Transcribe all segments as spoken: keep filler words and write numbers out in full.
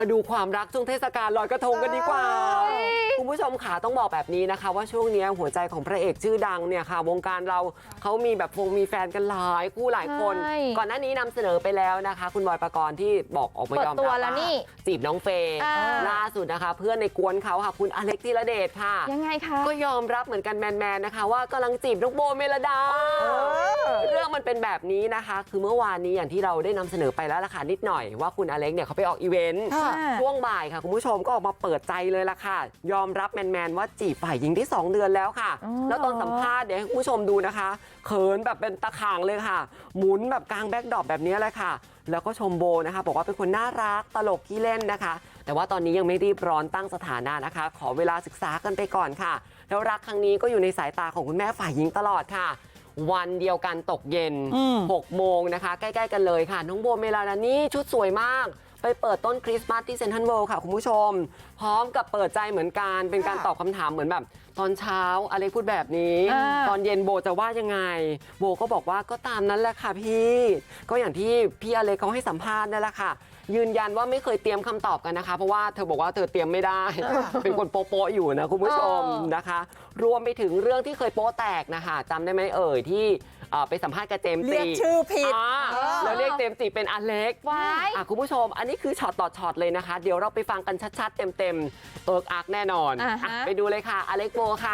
มาดูความรักช่วงเทศกาลลอยกระทงกันดีกว่าคุณผู้ชมขาต้องบอกแบบนี้นะคะว่าช่วงนี้หัวใจของพระเอกชื่อดังเนี่ยค่ะวงการเราเขามีแบบฟงมีแฟนกันหลายคู่หลายคนก่อนหน้านี้นำเสนอไปแล้วนะคะคุณบอยปกรณ์ที่บอกออกมายอมรับว่าจีบน้องเฟย์ล่าสุดนะคะเพื่อนในกวนเขาค่ะคุณอเล็กธีรเดชค่ะยังไงคะก็ยอมรับเหมือนกันแมนๆนะคะว่ากำลังจีบน้องโบเมลดาเรื่องมันเป็นแบบนี้นะคะคือเมื่อวานนี้อย่างที่เราได้นำเสนอไปแล้วล่ะค่ะนิดหน่อยว่าคุณอเล็กเนี่ยเขาไปออกอีเวนต์ช่วงบ่ายค่ะคุณผู้ชมก็ออกมาเปิดใจเลยล่ะค่ะยอมรับแมนๆว่าจีบฝ่ายหญิงที่สองเดือนแล้วค่ะแล้วตอนสัมภาษณ์เดี๋ยวให้คุณผู้ชมดูนะคะเขินแบบเป็นตะข่างเลยค่ะหมุนแบบกลางแบ็คดรอปแบบนี้เลยค่ะแล้วก็ชมโบนะคะบอกว่าเป็นคนน่ารักตลกขี้เล่นนะคะแต่ว่าตอนนี้ยังไม่รีบร้อนตั้งสถานะนะคะขอเวลาศึกษากันไปก่อนค่ะแล้วรักครั้งนี้ก็อยู่ในสายตาของคุณแม่ฝ่ายหญิงตลอดค่ะวันเดียวกันตกเย็นหกโมงนะคะใกล้ๆกันเลยค่ะน้องโบเมลาดานี่ชุดสวยมากไปเปิดต้นคริสต์มาสที่เซ็นทรัลเวิลด์ค่ะคุณผู้ชมพร้อมกับเปิดใจเหมือนกันเป็นการตอบคำถามเหมือนแบบตอนเช้าอเล็กพูดแบบนี้ตอนเย็นโบจะว่ายังไงโบก็บอกว่าก็ตามนั้นแหละค่ะพี่ก็อย่างที่พี่อเล็กเขาให้สัมภาษณ์นั่นแหละค่ะยืนยันว่าไม่เคยเตรียมคำตอบกันนะคะเพราะว่าเธอบอกว่าเธอเตรียมไม่ได้เป็นคนโป๊ะๆอยู่นะคุณผู้ชมนะคะรวมไปถึงเรื่องที่เคยโป๊ะแตกนะคะจำได้ไหมเอ่ยที่ไปสัมภาษณ์กับเจมส์จีเรียกชื่อผิดแล้วเรียกเจมส์จีเป็นอเล็กคุณผู้ชมอันนี้คือช็อตต่อช็อตเลยนะคะเดี๋ยวเราไปฟังกันชัดๆเต็มๆเอิร์กอาร์กแน่นอนไปดูเลยค่ะอเล็กโบค่ะ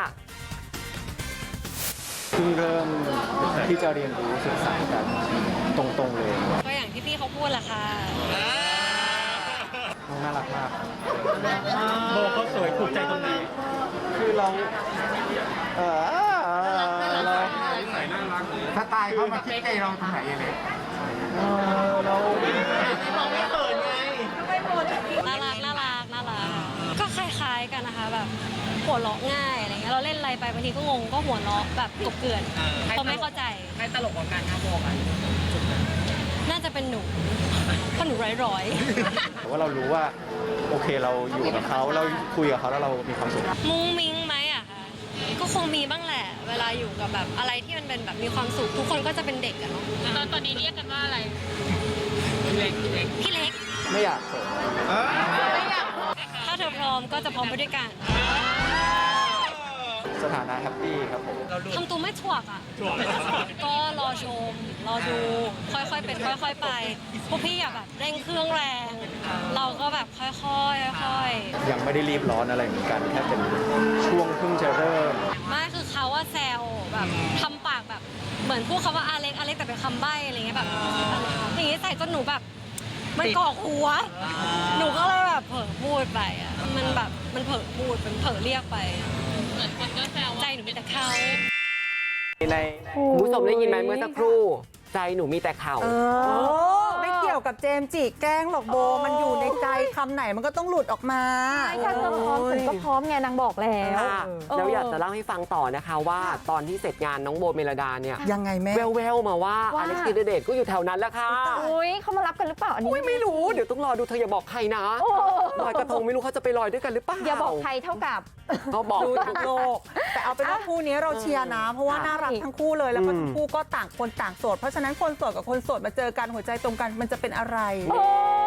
เพิ่งเริ่มที่จะเรียนรู้ศึกษากันตรงๆเลยก็อย่างที่พี่เขาพูดแหละค่ะน้องน่ารักมากโบเขาสวยถูกใจตรงไหนคือเราเออเราสไตล์เขามาคิดใจเราตรงไหนยังไงเออเราเราไม่เขินไงน่ารักน่ารักน่ารักก็คล้ายๆกันนะคะแบบหัวเราะง่ายอะไรเงี้ยเราเล่นอะไรไปบางทีก็งงก็หัวเราะแบบกบเกลื่อนเขาไม่เข้าใจใครตลกกว่ากันครับโบกันน่าจะเป็นหนูเพราะหนูร้อยๆแต่ว่าเรารู้ว่าโอเคเราอยู่กับเขาเราคุยกับเขาแล้วเรามีความสุขมุ้งมิ้งไหมอะคะก็คงมีบ้างแหละเวลาอยู่กับแบบอะไรที่มันเป็นแบบมีความสุขทุกคนก็จะเป็นเด็กอะเนาะตอนตอนนี้เรียกกันว่าอะไรพี่เล็กพี่เล็กพี่เล็กไม่อยากเขินถ้าเธอพร้อมก็จะพร้อมไปด้วยกันสถานะแฮปปี้ครับผมทำตัวไม่ถ่วกอ่ะก็รอชมรอดูค่อยๆเป็นค่อยๆไปพวกพี่อย่าแบบเร่งเครื่องแรงเราก็แบบค่อยๆค่อยๆยังไม่ได้รีบร้อนอะไรเหมือนกันแค่เป็นช่วงเพิ่งจะเริ่มไม่คือเขาว่าแซวแบบทำปากแบบเหมือนพูดคำว่าอาเล็กอาเล็กแต่เป็นคำใบ้อะไรเงี้ยแบบอย่างงี้ใส่จนหนูแบบมันกอกหัวหนูก็เลยแบบเผลอพูดไปอ่ะมันแบบมันเผลอพูดมันเผลอเรียกไปใจหนูมีแต่เขาในคุณผู้ชมได้ยินไหมเมื่อสักครู่ใจหนูมีแต่เขาไม่เกี่ยวกับเจมส์จิแกล้งหรอกโบมันอยู่ในใจคำไหนมันก็ต้องหลุดออกมาใช่ถ้าเธอพร้อมฉันก็พร้อมไงนางบอกแล้วแล้วอยากจะเล่าให้ฟังต่อนะคะว่าตอนที่เสร็จงานน้องโบเมลดาเนี่ยยังไงแม่แววๆมาว่าอเล็กธีรเดชก็อยู่แถวนั้นแหละค่ะอุ้ยเขามารับกันหรือเปล่าอันนี้ไม่รู้เดี๋ยวต้องรอดูเธออย่าบอกใครนะลอยกระทงไม่รู้เขาจะไปลอยด้วยกันหรือเปล่าอย่าบอกใครเท่ากับเขาบอกดูทั้งโลกแต่เอาเป็นว่าคู่นี้เราเชียร์นะเพราะว่าน่ารักทั้งคู่เลยแล้วก็ทั้งคู่ก็ต่างคนต่างโสดเพราะฉะนั้นคนโสดกับคนโสดมาเจอกันหัวใจตรงกันมันจะเป็นอะไร